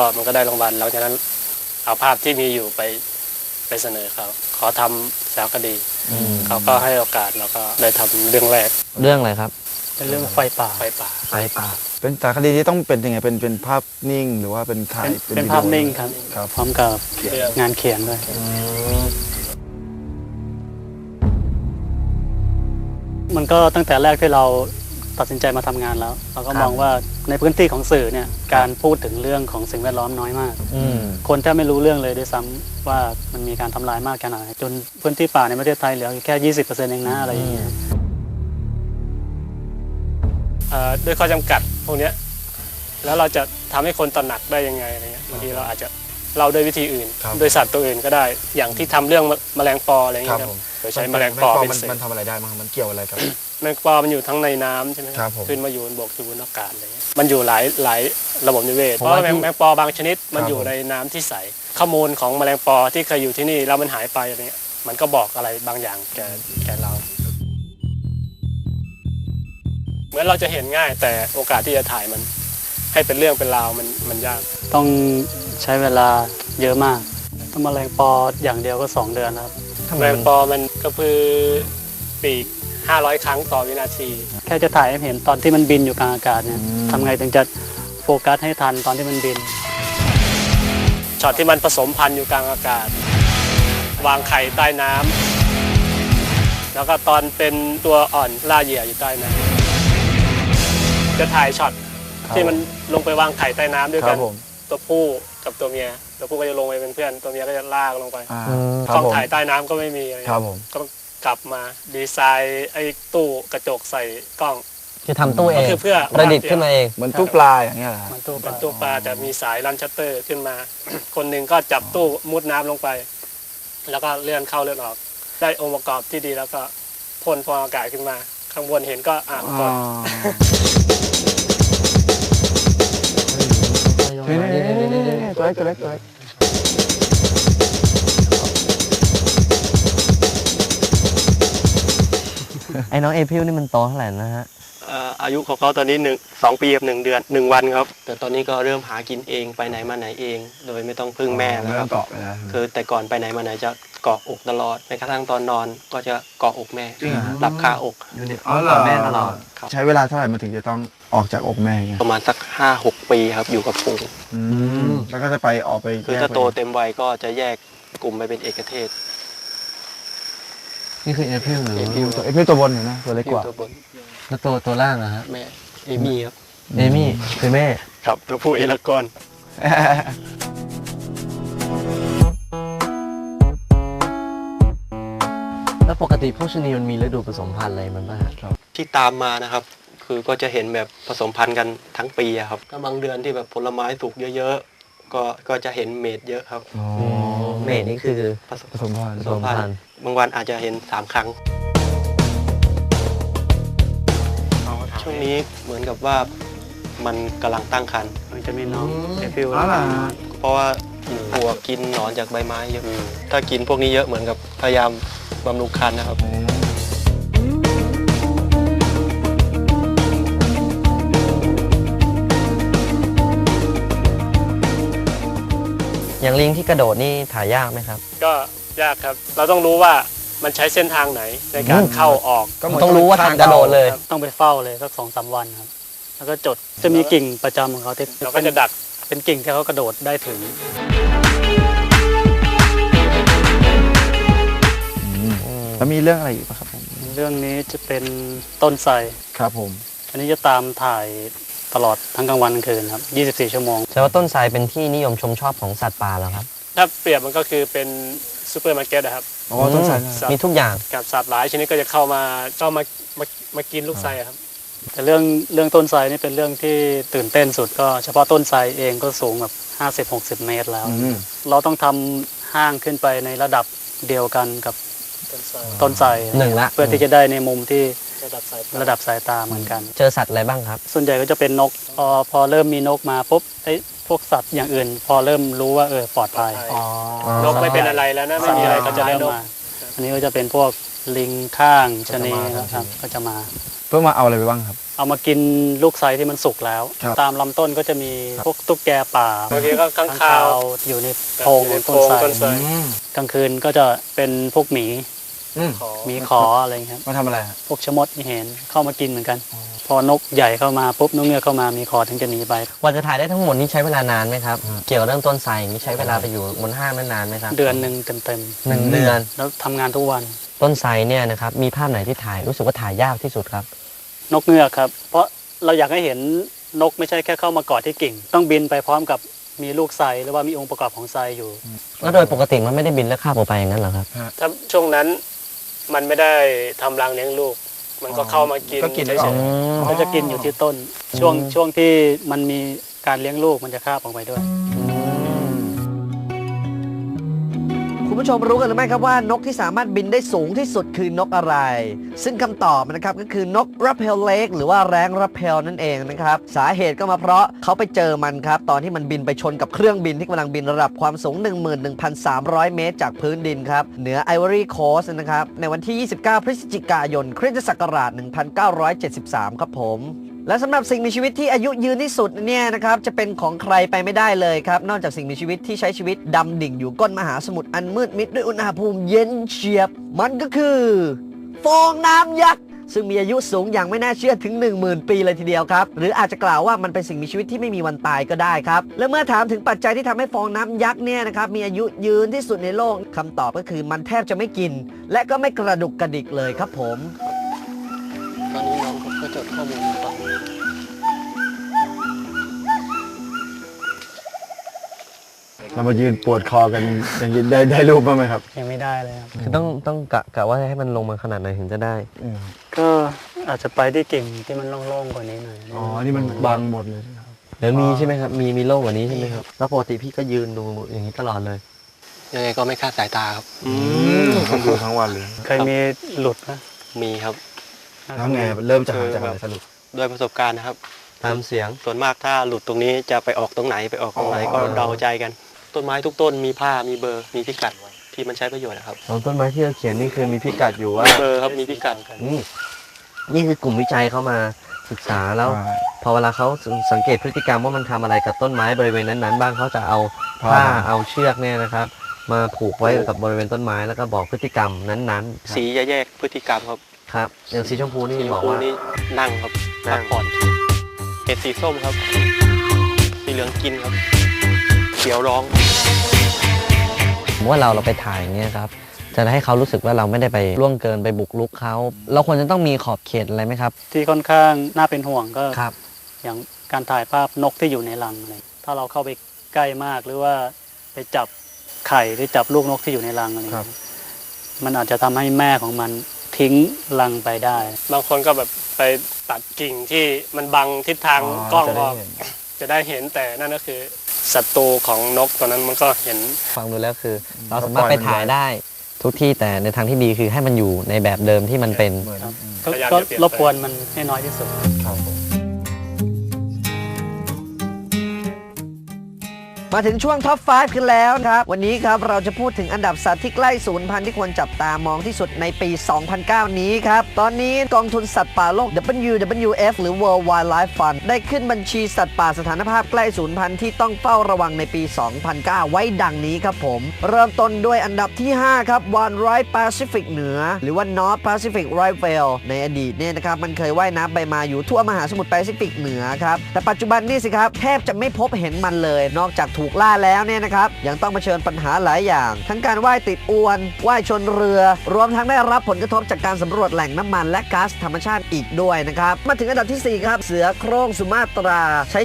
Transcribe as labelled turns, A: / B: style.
A: ก็มันก็ได้รางวัลหลังจากนั้นเอาภาพที่มีอยู่ไปเสนอเขาขอทำสารคดีเขาก็ให้โอกาสเราก็ได้ทำเรื่องแรก
B: เรื่องอะไรครับ
A: เป็นเรื่องไฟป่า
C: เป็นสารคดีที่ต้องเป็นยังไงเป็นภาพนิ่งหรือว่าเป็นถ่าย
A: เป็นภาพนิ่งครับ
C: ครับ
A: พร้อมกับงานเขียนด้วยมันก็ตั้งแต่แรกที่เราตัดสินใจมาทำงานแล้วเราก็มองว่าในพื้นที่ของสื่อเนี่ยการพูดถึงเรื่องของสิ่งแวดล้อมน้อยมากคนแทบไม่รู้เรื่องเลยด้วยซ้ำว่ามันมีการทำลายมากแค่ไหนจนพื้นที่ป่าในประเทศไทยเหลือแค่ 20% เองนะอะไรอย่างเงี้ยด้วยข้อจำกัดพวกนี้แล้วเราจะทำให้คนตระหนักได้ยังไงอะไรเงี้ยบางทีเราอาจจะเล่าด้วยวิธีอื่นโดยสัตว์ตัวอื่นก็ได้อย่างที่ทำเรื่องแมลงปออะไรอย่างเงี้ยครับโดยใช้แมลงปอเป็นสื่อ
C: มันทำอะไรได้มั้งมันเกี่ยวอะไรกับ
A: แมลงปอมันอยู่ทั้งในน้ำใช่ไหม
C: ครับผม
A: ขึ้นมาอยู่บนบกอยู่บนอากาศอะไรเงี้ยมันอยู่หลายระบบนิเวศเพราะว่าแมลงปอบางชนิดมันอยู่ในน้ำที่ใสข้อมูลของแมลงปอที่เคยอยู่ที่นี่แล้วมันหายไปอะไรเงี้ยมันก็บอกอะไรบางอย่างแก่เราเหมือนเราจะเห็นง่ายแต่โอกาสที่จะถ่ายมันให้เป็นเรื่องเป็นราวมันยากต้องใช้เวลาเยอะมากต้องแมลงปออย่างเดียวก็2 เดือนครับแมลงปอมันก็คือปีก500 ครั้งต่อวินาทีแค่จะถ่ายให้เห็นตอนที่มันบินอยู่กลางอากาศเนี่ยทำไงถึงจะโฟกัสให้ทันตอนที่มันบินช็อตที่มันผสมพันธุ์อยู่กลางอากาศวางไข่ใต้น้ำแล้วก็ตอนเป็นตัวอ่อนล่าเหยื่ออยู่ใต้น้ำจะถ่ายช็อตที่มันลงไปวางไข่ใต้น้ำด้วยกันตัวผู้กับตัวเมียตัวผู้ก็จะลงไปเป็นเพื่อนตัวเมียก็จะลากลงไปกล้องถ่ายใต้น้ำก็ไม่มีอะไรก็ต้องกลับมาดีไซน์ไอ้ตู้กระจกใส่กล้อง
B: คือทำตู้เอง
A: ก็คือเพื่อ
B: ประดิษฐ์ขึ้นมาเอง
C: เหมือนตู้ปลาอย่างเงี้ยเหรอ
A: มันตู้ปลาจะมีสายรันชัตเตอร์ขึ้นมา คนหนึ่งก็จับตู้มุดน้ำลงไป แล้วก็เลื่อนเข้าเลื่อนออก ได้องค์ประกอบที่ดีแล้วก็พ่นฟองอากาศขึ้นมา ข้างบนเห็นก็กด
C: ตัวเล็กตัวเล็กตัวเล็ก
B: ไอ้น้องเอพิลนี่มันโตเท่าไหร่นะฮะ
A: อายุของเขาตอนนี้2 ปีกับ1 เดือน1 วันครับแต่ตอนนี้ก็เริ่มหากินเองไปไหนมาไหนเอง โดยไม่ต้องพึ่งแม่แล้วครับ
C: เกาะไปแล้ว
A: คือแต่ก่อนไปไหนมาไหนจะเกาะอกตลอดแม้กระทั่งตอนนอนก็จะเกาะอกแม่หลับคาอก
C: อ๋อเหรอ
B: แม่ตลอด
A: ครับ
C: ใช้เวลาเท่าไหร่มันถึงจะต้องออกจากอกแม่เงี้ย
A: ประมาณสัก 5-6 ปีครับอยู่กับฝูง
C: แล้วก็จะไปออกไป
A: คือถ้าโตเต็มวัยก็จะแยกกลุ่มไปเป็นเอกเทศ
B: นี่คือเอพิลหรือ
A: เอพิล
C: ตัวเอพิลตัวบนเห็นไหมตัวเล็กกว่า
A: ตัวบน
B: แล้วตัวล่างนะฮะ
A: แม่เอมี่ครับ
B: เอมี่คือแม่
A: ครับตัวผู้เอลากอน
B: แล้วปกติพวกชนีมันมีฤดูผสมพันธุ์อะไรมันบ้างฮะ
A: ที่ตามมานะครับ คือก็จะเห็นแบบผสมพันธุ์กันทั้งปีอะครับก็บางเดือนที่แบบผลไม้สุกเยอะๆก็จะเห็นเมดเยอะครับ
B: เมดนี่คือ
C: ผสมพันธุ์
B: ผสมพันธุ์
A: บางวันอาจจะเห็น3 ครั้งช่วงนี้เหมือนกับว่ามันกำลังตั้งครรภ์มันจะมีน้องเอฟิล
C: อ๋อเหรอ
A: เพราะว่ากินปลวกกินหนอนจากใบไม้เยอะถ้ากินพวกนี้เยอะเหมือนกับพยายามบำรุงครรภ์นะครับ
B: อย่างลิงที่กระโดดนี่ถ่ายยากไหมครับ
A: ก็ยากครับเราต้องรู้ว่ามันใช้เส้นทางไหนในการเข้าออก
B: ต้องรู้ว่าทางกระโดดเลย
A: ต้องไปเฝ้าเลยสัก2-3 วันครับแล้วก็จดจะมีกิ่งประจำของเขาที่เราก็จะดักเป็นกิ่งที่เขากระโดดได้ถึง
C: แล้วมีเรื่องอะไรอีกป่ะครับผม
A: เรื่องนี้จะเป็นต้นไทร
C: ครับผม
A: อันนี้จะตามถ่ายตลอดทั้งกลางวันกลางคืนครับ24 ชั่วโมง
B: แต่ว่าต้นไทรเป็นที่นิยมชมชอบของสัตว์ป่าแล้วครับ
A: ถ้าเปรียบมันก็คือเป็นซูเปอร์มาร์เก็ตนะครับ
C: อ๋อต้นไทร
B: มีทุกอย่าง
A: กับสัตว์หลายชนิดก็จะเข้ามากินลูกไทรครับแต่เรื่องต้นไทรนี่เป็นเรื่องที่ตื่นเต้นสุดก็เฉพาะต้นไทรเองก็สูงแบบ50-60 เมตรแล้ว เราต้องทำห้างขึ้นไปในระดับเดียวกันกับต้นไทร
B: หนึ่งละ
A: เพื่อที่จะได้ในมุมที่ระดับสายตาเหมือนกัน
B: เจอสัตว์อะไรบ้างครับ
A: ส่วนใหญ่ก็จะเป็นนกพอเริ่มมีนกมาปุ๊บพวกสัตว์อย่างอื่น พอเริ่มรู้ว่าปลอดภัยนกไม่เป็นอะไรแล้วนะไม่มีอะไรก็จะเริ่มมาอันนี้ก็จะเป็นพวกลิงข้างชะนี
C: ก็จะมา
A: ครับก็จะมา
C: เพื่อมาเอาอะไรไปบ้างครับ
A: เอามากินลูกไทรที่มันสุกแล้ว
C: ครับ
A: ตามลำต้นก็จะมี
C: ครับ
A: พวกตุ๊กแกป่า
D: บางทีก็ค้างคาว
A: อยู่ในโพรงของต้นไทร
D: ต้นไทร
A: กลางคืนก็จะเป็นพวกหมี
D: ขอ
A: หมีขออะไรอย่างเงี้ยครับ
C: มาทำอะไรครับ
A: พวกชะมดที่เห็นเข้ามากินเหมือนกัน พอนกใหญ่เข้ามาปุ๊บนกเงือกเข้ามามีขอถึงจะหนีไป
B: กว่าจะถ่ายได้ทั้งหมดนี้ใช้เวลานานไหมครับ เกี่ยวกับเรื่องต้นไทรอย่างนี้ใช้เวลาไปอยู่บนห้างนั้นนานไหมครับ
A: เดือนหนึ่งเต็ม
B: หนึ่งเดือน
A: ๆแล้วทำงานทุกวัน
B: ต้นไทรเนี่ยนะครับมีภาพไหนที่ถ่ายรู้สึกว่าถ่ายยากที่สุดครับ
A: นกเงือกครับ เพราะเราอยากให้เห็นนกไม่ใช่แค่เข้ามาเกาะที่กิ่ง ต้องบินไปพร้อมกับมีลูกไทรหรือว่ามีองค์ประกอบของไทรอยู่
B: แล้วโดยปกติมันไม่ได้บินแล้วคาบออกไปอย่างนั้นเหรอครับ
D: ถ้าช่วงนั้นมันไม่ได้ทำรังเลี้ยงลูก มันก็เข้ามากิน
C: ก็กิน
D: เฉ
C: แล้วออก
D: ย
A: ก็จะกินอยู่ที่ต้น ช่วงที่มันมีการเลี้ยงลูกมันจะคาบออกไปด้วย
E: คุณผู้ชมรู้กันหรือไม่ครับว่านกที่สามารถบินได้สูงที่สุดคือนกอะไร ซึ่งคำตอบนะครับก็คือนกรับเพลเล็กหรือว่าแร้งรับเพลนั่นเองนะครับสาเหตุก็มาเพราะเขาไปเจอมันครับตอนที่มันบินไปชนกับเครื่องบินที่กำลังบินระดับความสูง 11,300 เมตรจากพื้นดินครับเหนือไอวอรี่โคสต์นะครับในวันที่ 29 พฤศจิกายนคริสตศักราช 1973 ครับผม และสำหรับสิ่งมีชีวิตที่อายุยืนที่สุดเนี่ยนะครับจะเป็นของใครไปไม่ได้เลยครับนอกจากสิ่งมีชีวิตที่ใช้ชีวิตดำดิ่งอยู่ก้นมหาสมุทรอันมืดมิดด้วยอุณหภูมิเย็นเฉียบ มันก็คือฟองน้ำยักษ์ซึ่งมีอายุสูงอย่างไม่น่าเชื่อถึง 10,000 ปีเลยทีเดียวครับหรืออาจจะกล่าวว่ามันเป็นสิ่งมีชีวิตที่ไม่มีวันตายก็ได้ครับและเมื่อถามถึงปัจจัยที่ทำให้ฟองน้ำยักษ์เนี่ยนะครับมีอายุยืนที่สุดในโลกคำตอบก็คือมันแทบจะไม่กิน และก็ไม่กระดุกกระดิกเลยครับผม
D: ตอนนี้น้องก็จดข้อมูลฟัง
C: เรามายืนปวดคอกันอย่างนี้ได้รูปบ้างไหมครับ
A: ยังไม่ได้เลยครับ
B: คือต้องกะว่าให้มันลงมาขนาดไหนถึงจะได้
A: ก็อาจจะไปที่กิ่งที่มันโล่งๆกว่านี้หน่อย
C: อ๋อ นี่มันบังหมดเลย
B: หรือมีใช่ไหมครับมีโล่งกว่านี้ใช่ไหมครับแล้วปกติพี่ก็ยืนดูอย่างนี้ตลอดเลย
D: ยังไงก็ไม่คาดสายตาครับ
C: ต้องดูทั้งวันเลย
A: เคยมีหลุดนะ
D: มีครับ
C: แล้วไงเริ่มจะหาจากอะไรสรุป
D: ด้วยประสบการณ์นะครับ
B: ตามเสียง
D: ส่วนมากถ้าหลุดตรงนี้จะไปออกตรงไหนไปออกตรงไหนก็เดาใจกัน ต้นไม้ทุกต้นมีผ้ามีเบอร์มีพิกัดที่มันใช้ประโยชน์นะครับ
B: ของต้นไม้ที่เราเขียนนี่คือมีพิกัดอยู่ว่า
D: เบอร์ครับมีพิกัด
B: นี่คือกลุ่มวิจัยเข้ามาศึกษาแล้ว พอเวลาเขาสังเกตพฤติกรรมว่ามันทำอะไรกับต้นไม้บริเวณนั้นๆบ้างเขาจะเอาผ้าเอาเชือกเนี่ยนะครับ มาผูกไว้กับบริเวณต้นไม้แล้วก็บอกพฤติกรรมนั้นๆครับ
D: สีจะแยกพฤติกรรมครับ
B: ครับอย่างสีชมพูนี่
D: สีชม
B: บอก
D: พู
B: ว่า
D: นี่นั่งครับ
B: นั่
D: พั
B: ง
D: กผ่อนเห็ดสีส้มครับ สีเหลืองกินครับเขียวร้อง
B: ผมว่าเราไปถ่ายอย่างเงี้ยครับจะให้เขารู้สึกว่าเราไม่ได้ไปล่วงเกินไปบุกรุกเขาเราควรจะต้องมีขอบเขตอะไรไหมครับ
A: ที่ค่อนข้างน่าเป็นห่วงก็
B: ครับ
A: อย่างการถ่ายภาพนกที่อยู่ในรังอะไรถ้าเราเข้าไปใกล้มากหรือว่าไปจับไข่หรือจับลูกนกที่อยู่ในรังอะไรอย่างเงี้ยมันอาจจะทำให้แม่ของมันทิ้งรังไปได้ บางคนก็แบบไปตัดกิ่งที่มันบังทิศทางกล้องออกจะได้เห็นแต่นั่นก็คือศัตรูของนกตัวนั้นมันก็เห็น
B: ฟังดูแล้วคือ เราสามารถไปถ่ายได้ทุกที่แต่ในทางที่ดีคือให้มันอยู่ในแบบเดิมที่มันเป็น
A: ก็ก็รบกวนมันให้น้อยที่สุด
E: มาถึงช่วงท็อป 5 กันแล้วครับ วันนี้ครับเราจะพูดถึงอันดับสัตว์ที่ใกล้สูญพันธุ์ที่ควรจับตามองที่สุดในปี 2009 นี้ครับ ตอนนี้กองทุนสัตว์ป่าโลก WWF หรือ World Wildlife Fund ได้ขึ้นบัญชีสัตว์ป่าสถานภาพใกล้สูญพันธุ์ที่ต้องเฝ้าระวังในปี 2009 ไว้ดังนี้ครับผม เริ่มต้นด้วยอันดับที่ 5 ครับวาฬไร้แปซิฟิกเหนือ หรือว่า North Pacific Right Whale ในอดีตเนี่ยนะครับมันเคยว่ายน้ำไปมาอยู่ทั่วมหาสมุทรแปซิฟิกเหนือครับแต่ปัจจุบันนี่สิครับแทบจะไม่พบเห็นมันเลยนอกจากถูกล่าแล้วเนี่ยนะครับยังต้องเผชิญปัญหาหลายอย่าง ทั้งการว่ายติดอวนว่ายชนเรือ รวมทั้งได้รับผลกระทบจากการสำรวจแหล่งน้ำมันและก๊าซธรรมชาติอีกด้วยนะครับมาถึงอันดับที่ 4 ครับเสือโคร่งสุมาตราใช้